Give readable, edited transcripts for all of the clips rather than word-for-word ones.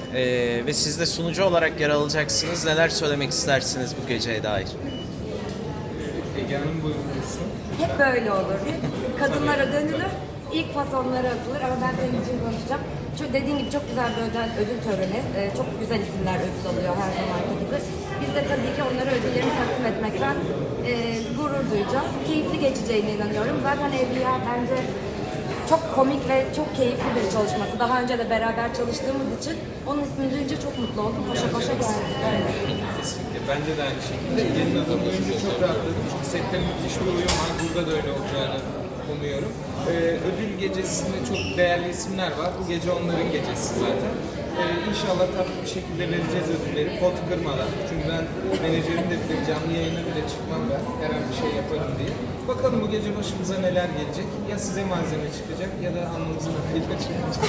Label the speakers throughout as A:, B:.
A: Ve siz de sunucu olarak yer alacaksınız. Neler söylemek istersiniz bu geceye dair?
B: Ege Hanım buyursun.
C: Hep böyle olur. Hep kadınlara dönülür, ilk pas onlara atılır ama ben senin için konuşacağım. Çünkü dediğin gibi çok güzel bir ödül töreni. Çok güzel isimler ödül alıyor her zamanki gibi. Biz de tabii ki onlara ödüllerini takdim etmekten gurur duyacağız. Keyifli geçeceğine inanıyorum. Zaten Evliya bence çok komik ve çok keyifli bir çalışması. Daha önce de beraber çalıştığımız için onun ismini duyunca çok mutlu oldum. Koşa koşa geldik.
B: Kesinlikle. Bence de aynı şekilde. Ege'nin adını duyunca çok rahatladım. Çünkü sette müthiş bir uyum var. Burada da öyle olacağını umuyorum. Ödül gecesinde çok değerli isimler var. Bu gece onların gecesi zaten. İnşallah tatlı bir şekilde vereceğiz ödülleri. Pot kırmadan. Çünkü ben menajerim de bilir, canlı yayına bile çıkmam ben. Her an bir şey yaparım diye. Bakalım bu gece başımıza neler gelecek. Ya size malzeme çıkacak ya da alnımızın akıyla çıkacak.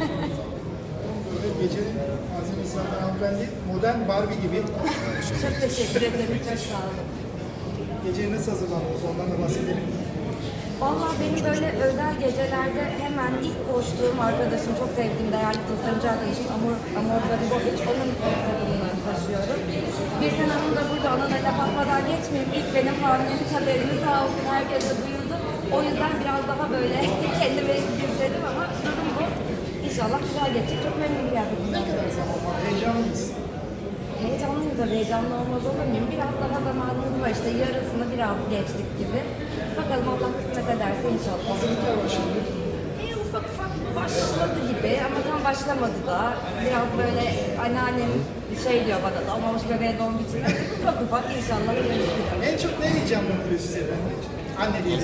D: Gecenin malzemesi zaten hanımefendi modern Barbie gibi.
C: Çok teşekkür ederim. Çok sağ olun.
D: Geceye nasıl hazırlandınız ondan da bahsedelim.
C: Vallahi benim böyle özel gecelerde hemen ilk koştuğum arkadaşım, çok sevdiğim değerli tasarımcı arkadaşım Amor Garibovic, onun takımını taşıyorum. Birsen Hanım da burada, ona da laf atmadan geçmeyeyim. İlk benim hamilelik haberimi sağ olsun herkese duyurdu. O yüzden biraz daha böyle kendimi gizledim ama durum bu. İnşallah güzel geçecek. Çok memnun kıyafetimden.
D: Heyecanlı mısın?
C: Heyecanlıyım tabii, heyecanlı olmaz olur muyum? Biraz daha zamanımız var işte, yarısını biraz geçtik gibi. Bakalım Allah kısmet ederse inşallah.
D: Hazırlıklar başladı.
C: Ufak ufak başladı gibi ama tam başlamadı da. Biraz böyle anneannem şey diyor bana, doğmamış bebeğe doğum biçimi. Ufak ufak inşallah yürüyüşüyor.
D: En çok ne heyecanlandırıyor sizi efendim? Anne diye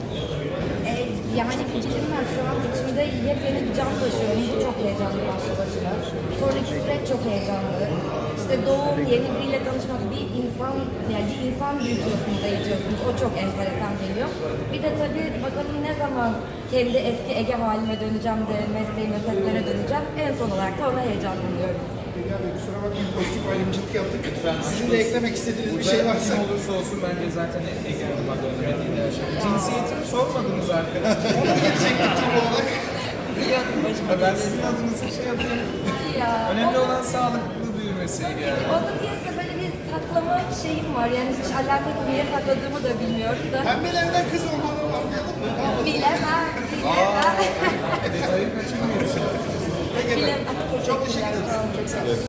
C: Yani biçimler şu an içimde yepyeni bir can taşıyorum. Bu çok heyecanlı başlı başına. Sonraki süreç çok heyecanlı. İşte doğum, yeni biriyle tanışmak, bir insan büyütüyorsunuz, eğitiyorsunuz. O çok enteresan geliyor. Bir de tabii bakalım ne zaman kendi eski Ege halime döneceğim de mesleğime, setlere döneceğim. En son olarak da ona heyecanlanıyorum.
D: Dünya Bey kusura bakmayın pozitif ayrımcılık yaptık.
B: Lütfen.
D: Sizin de eklemek istediğiniz bir şey varsa.
B: Kim olursa olsun bence zaten Ege Hanım'a dönmediğini yaşadım. Cinsiyetimi sormadınız arkadaşlar.
D: Ona gelecektik tam olarak.
B: Ben sizin adınızı şey yapayım.
C: Ya,
B: Önemli olan sağlıklı büyümesi yani.
C: onun diyese böyle bir saklama şeyim var. Yani hiç alakası niye sakladığımı da bilmiyorum da.
D: Pembelerden kız olmanı anlayalım mı? Ne yapalım?
C: Bilemem, bilemem.
B: Detayı kaçırmıyorsun.
D: Peki efendim.
C: Bilemem.
D: Çok teşekkür ederiz. Çok sağ olun.